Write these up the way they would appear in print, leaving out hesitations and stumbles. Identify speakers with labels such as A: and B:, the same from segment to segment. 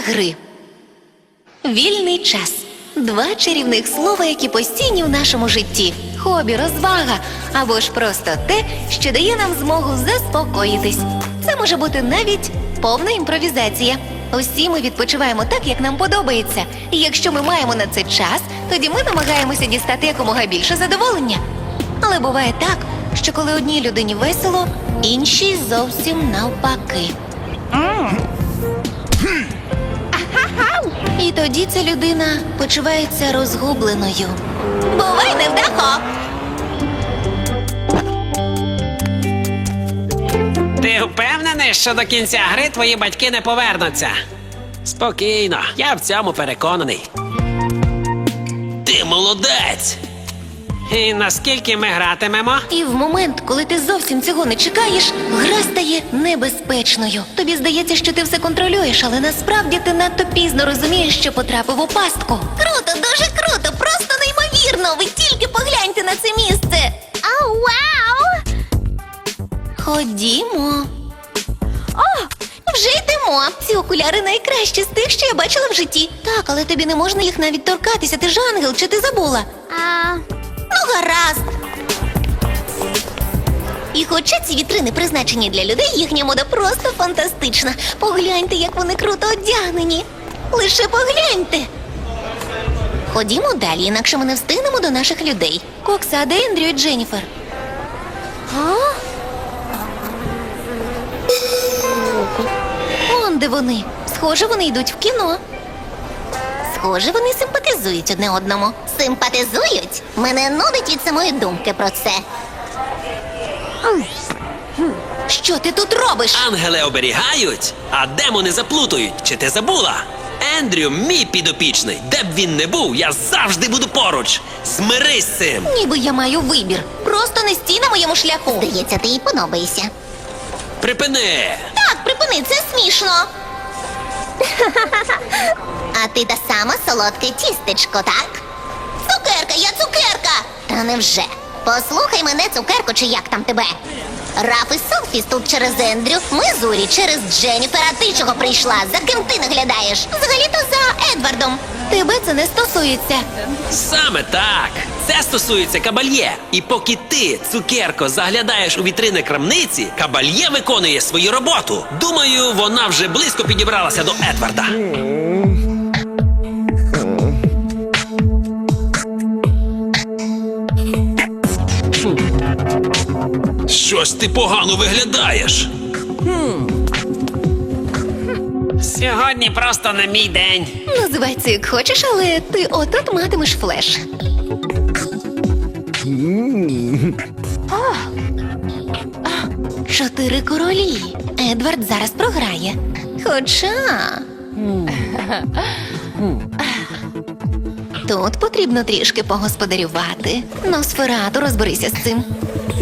A: гри. Вільний час. Два чарівних слова, які постійні в нашому житті. Хобі, розвага або ж просто те, що дає нам змогу заспокоїтись. Це може бути навіть повна імпровізація. Усі ми відпочиваємо так, як нам подобається. І якщо ми маємо на це час, тоді ми намагаємося дістати якомога більше задоволення. Але буває так, що коли одній людині весело, іншій зовсім навпаки. І тоді ця людина почувається розгубленою. Бувай, невдахо!
B: Ти впевнений, що до кінця гри твої батьки не повернуться? Спокійно, я в цьому переконаний. Ти молодець! І наскільки ми гратимемо?
A: І в момент, коли ти зовсім цього не чекаєш, гра стає небезпечною. Тобі здається, що ти все контролюєш, але насправді ти надто пізно розумієш, що потрапив у пастку. Круто, дуже круто, просто неймовірно! Ви тільки погляньте на це місце! Ау, вау! Ходімо. О, вже йдемо. Ці окуляри найкращі з тих, що я бачила в житті. Так, але тобі не можна їх навіть торкатися. Ти ж ангел, чи ти забула? Ну, гаразд. І хоча ці вітрини призначені для людей, їхня мода просто фантастична. Погляньте, як вони круто одягнені. Лише погляньте. Ходімо далі, інакше ми не встигнемо до наших людей. Кокса, а де Ендрю і Дженніфер? Он де вони. Схоже, вони йдуть в кіно. Схоже, вони симпатизують одне одному. Симпатизують? Мене нудить від самої думки про це. Що ти тут робиш?
B: Ангели оберігають, а демони заплутають. Чи ти забула? Ендрю, мій підопічний. Де б він не був, я завжди буду поруч. Змирись з цим.
A: Ніби я маю вибір. Просто не стій на моєму шляху. Здається, ти їй подобаєшся.
B: Припини.
A: Так, припини, це смішно. А ти та сама солодке тістечко, так? Цукерка, я цукерка! Та невже? Послухай мене, цукерко, чи як там тебе? Раф і Софіс тут через Ендрю, ми Зурі через Дженніфер, а ти чого прийшла? За ким ти наглядаєш? Взагалі-то за Едвардом. Тебе це не стосується.
B: Саме так. Це стосується Кабальє. І поки ти, цукерко, заглядаєш у вітрини крамниці, Кабальє виконує свою роботу. Думаю, вона вже близько підібралася до Едварда. Щось ти погано виглядаєш. Сьогодні просто не мій день.
A: Називай це як хочеш, але ти от-от матимеш флеш. Чотири королі. Едвард зараз програє. Хоча... Тут потрібно трішки погосподарювати. Носферату, розберися з цим.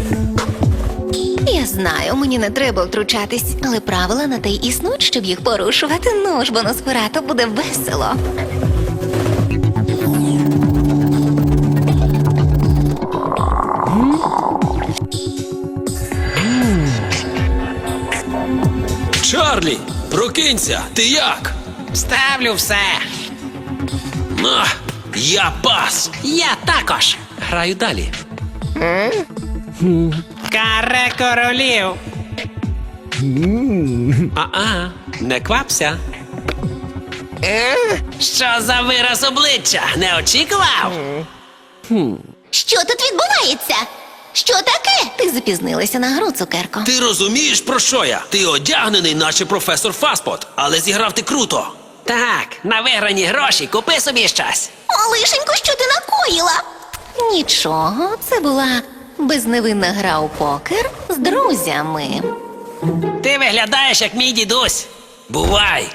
A: Я знаю, мені не треба втручатись, але правила на те й існують, щоб їх порушувати. Ну ж, бо Носферату буде весело.
B: Чарлі, прокинься, ти як? Ставлю все. Я пас. Я також. Граю далі. Каре королів. Не квапся. Що за вираз обличчя? Не очікував?
A: Що тут відбувається? Що таке? Ти запізнилася на гру, цукерко.
B: Ти розумієш, про що я? Ти одягнений, наче професор Фаспот, але зіграв ти круто. Так, на виграні гроші купи собі щось.
A: Малишенько, що ти накоїла? Нічого, це була безневинна гра у покер з друзями.
B: Ти виглядаєш, як мій дідусь. Бувай.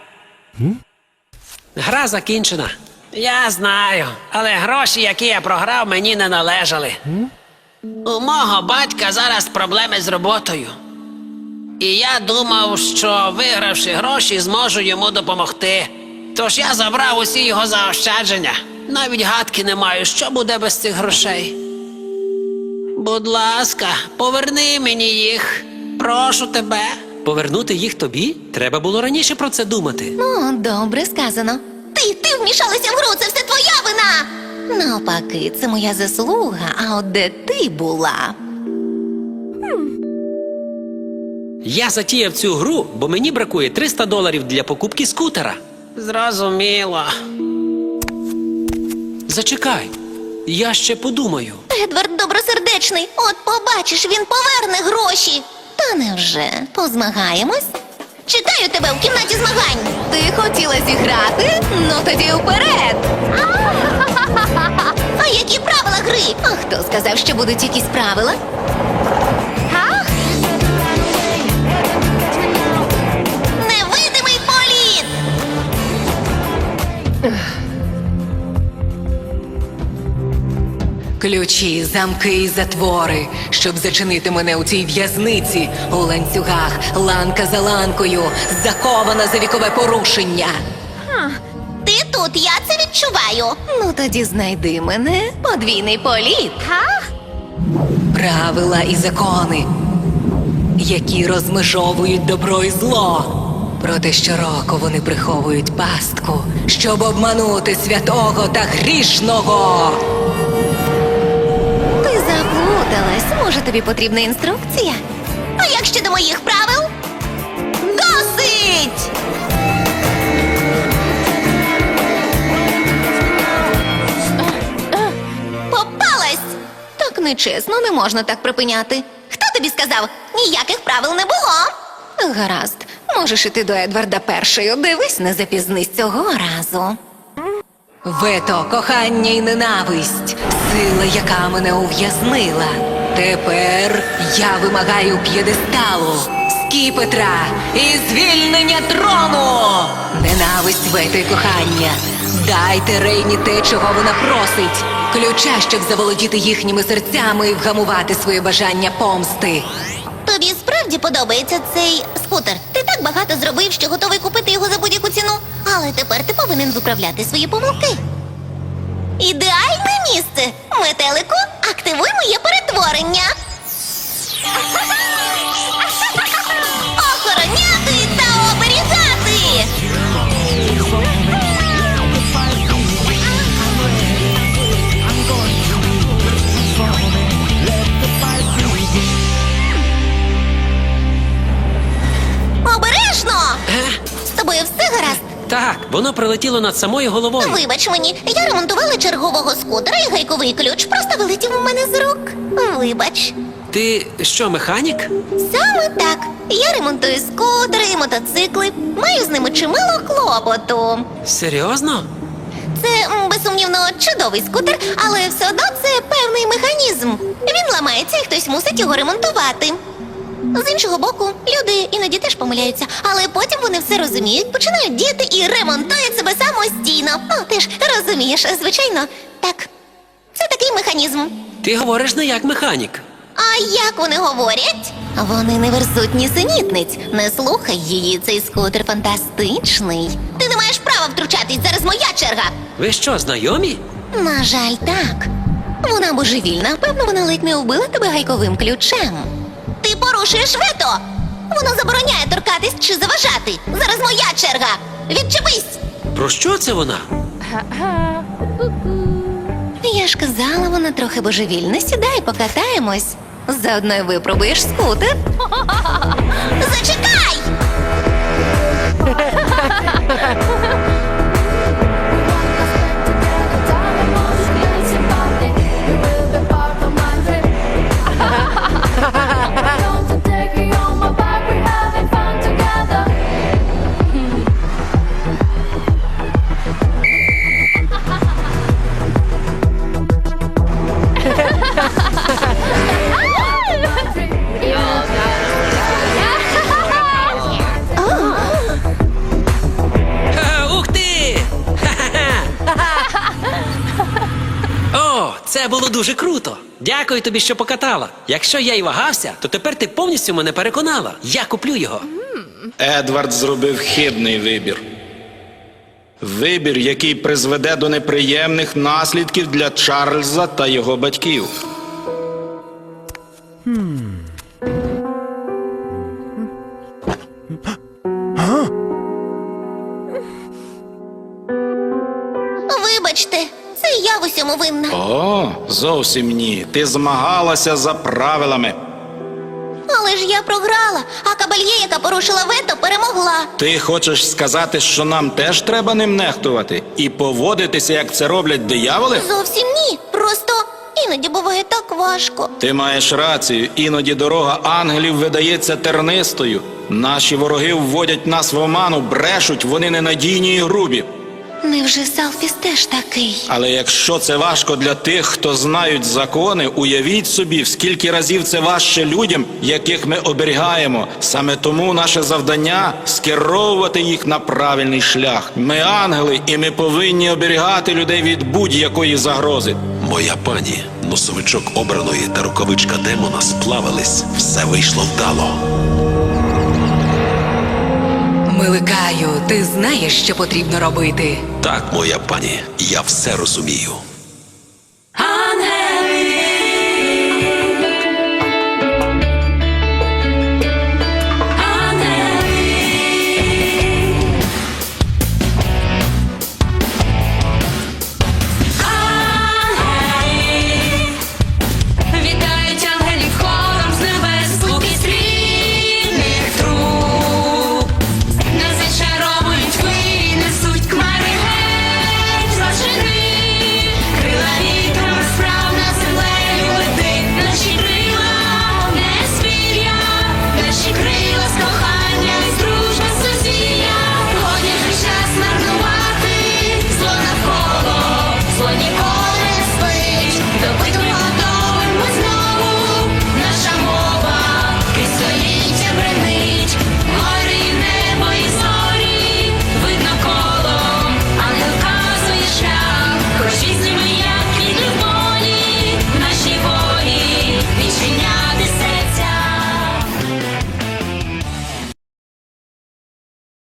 B: Гра закінчена. Я знаю, але гроші, які я програв, мені не належали. У мого батька зараз проблеми з роботою. І я думав, що вигравши гроші, зможу йому допомогти. Тож я забрав усі його заощадження. Навіть гадки не маю, що буде без цих грошей. Будь ласка, поверни мені їх. Прошу тебе.
C: Повернути їх тобі? Треба було раніше про це думати.
A: О, добре сказано. Ти вмішалася в гру, це все твоя вина! Навпаки, це моя заслуга, а от де ти була?
C: Я затіяв цю гру, бо мені бракує $300 для покупки скутера.
B: Зрозуміло.
C: Зачекай, я ще подумаю.
A: Едвард добросердечний, от побачиш, він поверне гроші. Та невже? Позмагаємось? Чекаю тебе в кімнаті змагань. Ти хотіла зіграти? Ну тоді вперед. А які правила гри? А хто сказав, що будуть якісь правила? Невидимий політ!
D: Ключі, замки і затвори, щоб зачинити мене у цій в'язниці, у ланцюгах, ланка за ланкою, закована за вікове порушення.
A: Ти тут, я це відчуваю. Ну тоді знайди мене, подвійний політ.
D: Правила і закони, які розмежовують добро і зло. Проте щороку вони приховують пастку, щоб обманути святого та грішного.
A: Ти заплуталась. Може, тобі потрібна інструкція? А як щодо моїх правил? Досить! Попалась! Так нечесно, не можна так припиняти. Хто тобі сказав? Ніяких правил не було. Гаразд, можеш іти до Едварда першою. Дивись, не запізнись цього разу.
D: Вето, кохання і ненависть, сила, яка мене ув'язнила. Тепер я вимагаю п'єдесталу, скіпетра і звільнення трону. Ненависть, вето і кохання. Дайте Рейні те, чого вона просить. Ключа, щоб заволодіти їхніми серцями і вгамувати своє бажання помсти.
A: Тобі справді подобається цей скутер? Ти так багато зробив, що готовий купити його за будь-яку ціну. Але тепер ти повинен виправляти свої помилки. Ідеальне місце! Метелику, активуй моє перетворення! Охороняти та оберігати! Обережно! З тобою все гаразд?
C: Так, воно прилетіло над самою головою.
A: Вибач мені, я ремонтувала чергового скутера і гайковий ключ просто вилетів у мене з рук. Вибач.
C: Ти що, механік?
A: Саме так. Я ремонтую скутери і мотоцикли. Маю з ними чимало клопоту.
C: Серйозно?
A: Це, безсумнівно, чудовий скутер, але все одно це певний механізм. Він ламається і хтось мусить його ремонтувати. З іншого боку, люди іноді теж помиляються, але потім вони все розуміють, починають діяти і ремонтують себе самостійно. Ти ж розумієш, звичайно, так. Це такий механізм.
C: Ти говориш не як механік.
A: А як вони говорять? Вони не верзуть нісенітниць. Не слухай її, цей скутер фантастичний. Ти не маєш права втручатись, зараз моя черга.
C: Ви що, знайомі?
A: На жаль, так. Вона божевільна, певно, вона ледь не вбила тебе гайковим ключем. Ти порушуєш вето! Воно забороняє торкатись чи заважати. Зараз моя черга. Відчепись!
C: Про що це вона?
A: Я ж казала, вона трохи божевільна. Сідай, покатаємось. Заодно й випробуєш скутер. Зачекай!
C: Ух ти! О, це було дуже круто. Дякую тобі, що покатала. Якщо я й вагався, то тепер ти повністю мене переконала. Я куплю його.
E: Едвард зробив хибний вибір. Вибір, який призведе до неприємних наслідків для Чарльза та його батьків.
A: цьому винна.
E: О, зовсім ні. Ти змагалася за правилами.
A: Але ж я програла, а кабальє, яка порушила вето, перемогла.
E: Ти хочеш сказати, що нам теж треба ним нехтувати і поводитися, як це роблять дияволи?
A: Зовсім ні. Просто іноді буває так важко.
E: Ти маєш рацію, іноді дорога ангелів видається тернистою. Наші вороги вводять нас в оману, брешуть, вони ненадійні і грубі.
A: Невже Салфіс теж такий?
E: Але якщо це важко для тих, хто знають закони, уявіть собі, в скільки разів це важче людям, яких ми оберігаємо. Саме тому наше завдання – скеровувати їх на правильний шлях. Ми ангели, і ми повинні оберігати людей від будь-якої загрози.
F: Моя пані, носовичок обраної та рукавичка демона сплавились. Все вийшло вдало.
D: Миликаю, ти знаєш, що потрібно робити.
F: Так, моя пані, я все розумію.